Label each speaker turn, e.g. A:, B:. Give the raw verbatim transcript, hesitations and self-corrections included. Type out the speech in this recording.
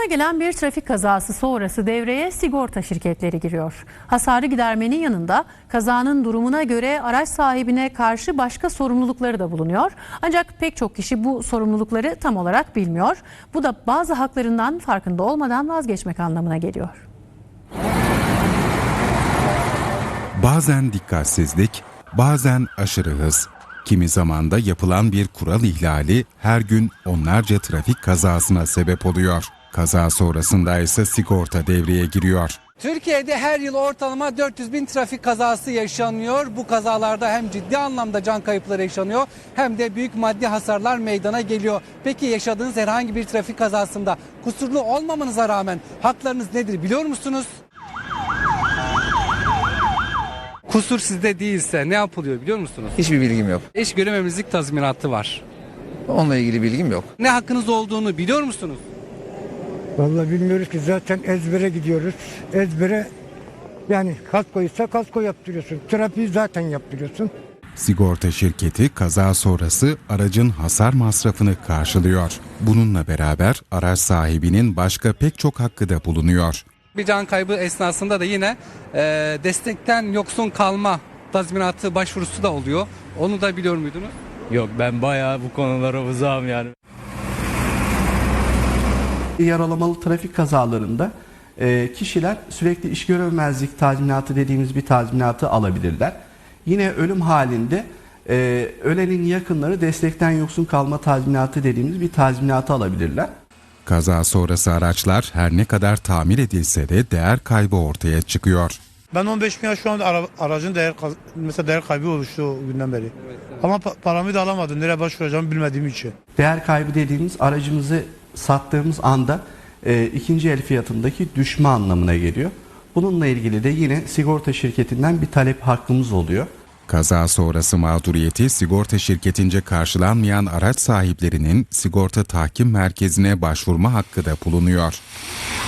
A: Meydana gelen bir trafik kazası sonrası devreye sigorta şirketleri giriyor. Hasarı gidermenin yanında kazanın durumuna göre araç sahibine karşı başka sorumlulukları da bulunuyor. Ancak pek çok kişi bu sorumlulukları tam olarak bilmiyor. Bu da bazı haklarından farkında olmadan vazgeçmek anlamına geliyor.
B: Bazen dikkatsizlik, bazen aşırı hız. Kimi zaman da yapılan bir kural ihlali her gün onlarca trafik kazasına sebep oluyor. Kaza sonrasında ise sigorta devreye giriyor.
C: Türkiye'de her yıl ortalama dört yüz bin trafik kazası yaşanıyor. Bu kazalarda hem ciddi anlamda can kayıpları yaşanıyor hem de büyük maddi hasarlar meydana geliyor. Peki yaşadığınız herhangi bir trafik kazasında kusurlu olmamanıza rağmen haklarınız nedir biliyor musunuz? Kusur sizde değilse ne yapılıyor biliyor musunuz?
D: Hiçbir bilgim yok.
C: İş görememizlik tazminatı var.
D: Onunla ilgili bilgim yok.
C: Ne hakkınız olduğunu biliyor musunuz?
E: Vallahi bilmiyoruz ki, zaten ezbere gidiyoruz. Ezbere, yani kaskoysa kasko yaptırıyorsun. Trafiği zaten yaptırıyorsun.
B: Sigorta şirketi kaza sonrası aracın hasar masrafını karşılıyor. Bununla beraber araç sahibinin başka pek çok hakkı da bulunuyor.
C: Bir can kaybı esnasında da yine e, destekten yoksun kalma tazminatı başvurusu da oluyor. Onu da biliyor muydunuz?
F: Yok, ben bayağı bu konulara uzağım yani.
G: Yaralamalı trafik kazalarında e, kişiler sürekli iş görememezlik tazminatı dediğimiz bir tazminatı alabilirler. Yine ölüm halinde e, ölenin yakınları destekten yoksun kalma tazminatı dediğimiz bir tazminatı alabilirler.
B: Kaza sonrası araçlar her ne kadar tamir edilse de değer kaybı ortaya çıkıyor.
H: Ben on beş bin lira şu an ara, aracın değer mesela değer kaybı oluştu o günden beri. Evet, evet. Ama pa paramı da alamadım. Nereye başvuracağımı bilmediğim için.
G: Değer kaybı dediğimiz aracımızı sattığımız anda e, ikinci el fiyatındaki düşme anlamına geliyor. Bununla ilgili de yine sigorta şirketinden bir talep hakkımız oluyor.
B: Kaza sonrası mağduriyeti sigorta şirketince karşılanmayan araç sahiplerinin sigorta tahkim merkezine başvurma hakkı da bulunuyor.